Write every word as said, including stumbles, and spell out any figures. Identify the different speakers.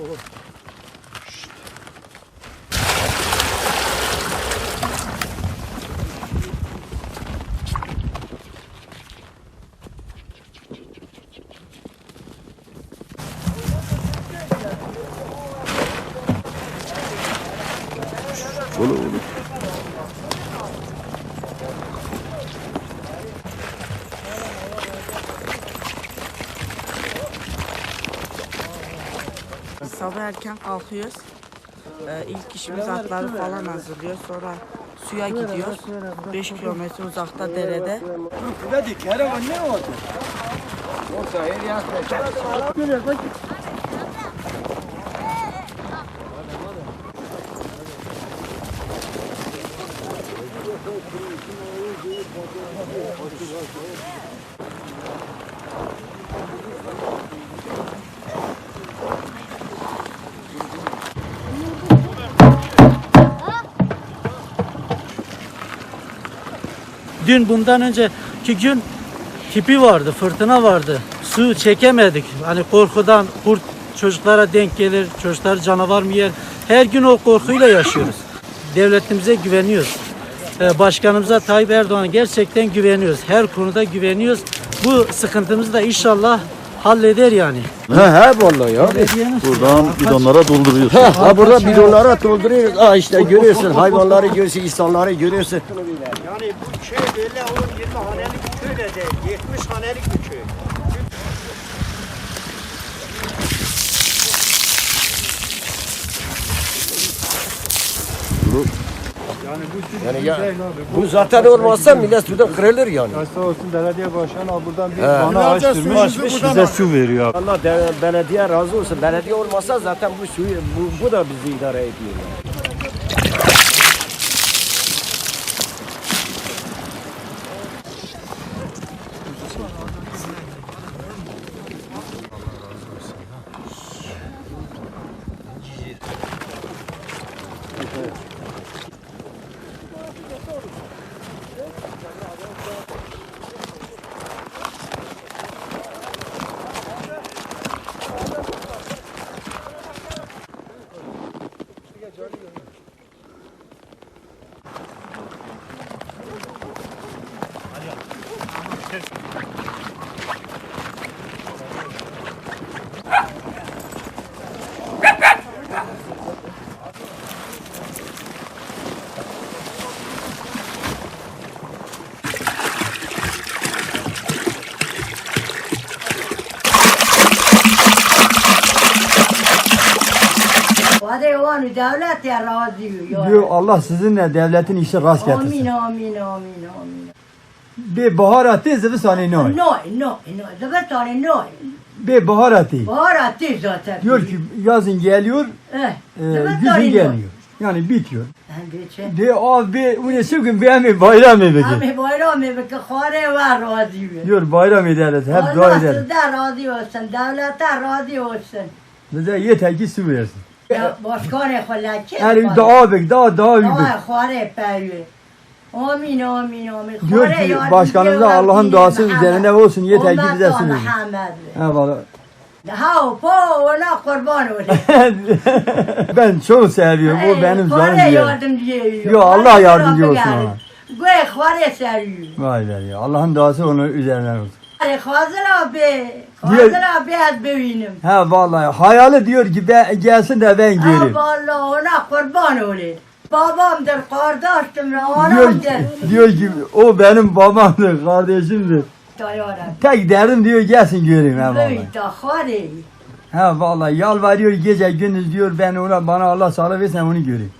Speaker 1: Olur olur.
Speaker 2: Sabah erken kalkıyoruz. Ee, ilk işimiz atları falan hazırlıyoruz. Sonra suya gidiyoruz. beş kilometre uzakta derede.
Speaker 3: Dün bundan önceki gün tipi vardı, fırtına vardı. Su çekemedik. Hani korkudan kurt çocuklara denk gelir, çocuklar canavar mı yer? Her gün o korkuyla yaşıyoruz. Devletimize güveniyoruz. Başkanımıza Tayyip Erdoğan'a gerçekten güveniyoruz. Her konuda güveniyoruz. Bu sıkıntımızı da inşallah halleder yani.
Speaker 1: He he vallahi ya. Buradan bidonlara dolduruyoruz. He, ha burada bidonlara dolduruyoruz. Ha işte görüyorsun hayvanları görüyorsun, insanları görüyorsun.
Speaker 4: Yani bu köy böyle on yirmi hanelik bir köy de değil, yetmiş hanelik bir köy.
Speaker 1: Yani bu, yani ya, bu zaten olmazsa millet burada kırılır yani.
Speaker 5: Sağ olsun belediye başkanı buradan bir
Speaker 1: He.
Speaker 5: bana açtırmış, bize su veriyor.
Speaker 1: Allah de, belediye razı olsun. Belediye olmasa zaten bu suyu bu, bu da bizi idare ediyor. Yani.
Speaker 6: Devlet ya razı
Speaker 5: Diyor Allah sizinle devletin işi rast getirsin.
Speaker 6: Amin amin amin amin.
Speaker 5: Bir baharatı zıvısani noy.
Speaker 6: No no no. Zıvıtani no.
Speaker 5: Bir baharatı.
Speaker 6: Baharatı zaten.
Speaker 5: Diyor ki yazın geliyor,
Speaker 6: Eh.
Speaker 5: e,
Speaker 6: Zıvıtani
Speaker 5: güzün
Speaker 6: no.
Speaker 5: gelmiyor. Yani bitiyor.
Speaker 6: Ben geçen.
Speaker 5: Diyor abi bu ne şu gün beğenmeyi bayram edelim.
Speaker 6: Abi bayram evi ki khare var razı.
Speaker 5: Diyor bayram ederiz, hep dua
Speaker 6: Allah
Speaker 5: ederiz.
Speaker 6: sizden razı olsun. Devlete razı olsun.
Speaker 5: Bize yeter ki su versin.
Speaker 6: Ya başkanı xalaki.
Speaker 5: Yani dua bek, daha daha iyi bek.
Speaker 6: Ama khare peyve. Amin amin amin.
Speaker 5: Diyor ki başkanımıza Allah'ın duası üzerine olsun yeter ki bize su versin. Ha valla.
Speaker 6: Ha po ona kurban olayım.
Speaker 5: Ben çok seviyorum. O benim canım
Speaker 6: Khare
Speaker 5: diyor.
Speaker 6: yardımcı yiyor.
Speaker 5: Yo Allah yardımcı olsun ona.
Speaker 6: Güey khare seviyor.
Speaker 5: Vay be ya. Allah'ın duası onun üzerine olsun.
Speaker 6: Hazır abi. Hazır abi az bevinim.
Speaker 5: Ha vallahi hayali diyor ki ben, gelsin de ben
Speaker 6: Ha
Speaker 5: geleyim.
Speaker 6: vallahi ona kurban olayım. Babamdır, kardeşimdir,
Speaker 5: Diyor
Speaker 6: anamdır.
Speaker 5: ki, diyor ki o benim babamdır, kardeşimdir.
Speaker 6: Dayanam.
Speaker 5: Tek derdim diyor gelsin göreyim ha vallahi.
Speaker 6: Böyle khare.
Speaker 5: Ha vallahi yalvarıyor gece gündüz diyor ben ona bana Allah sağlık versin onu göreyim.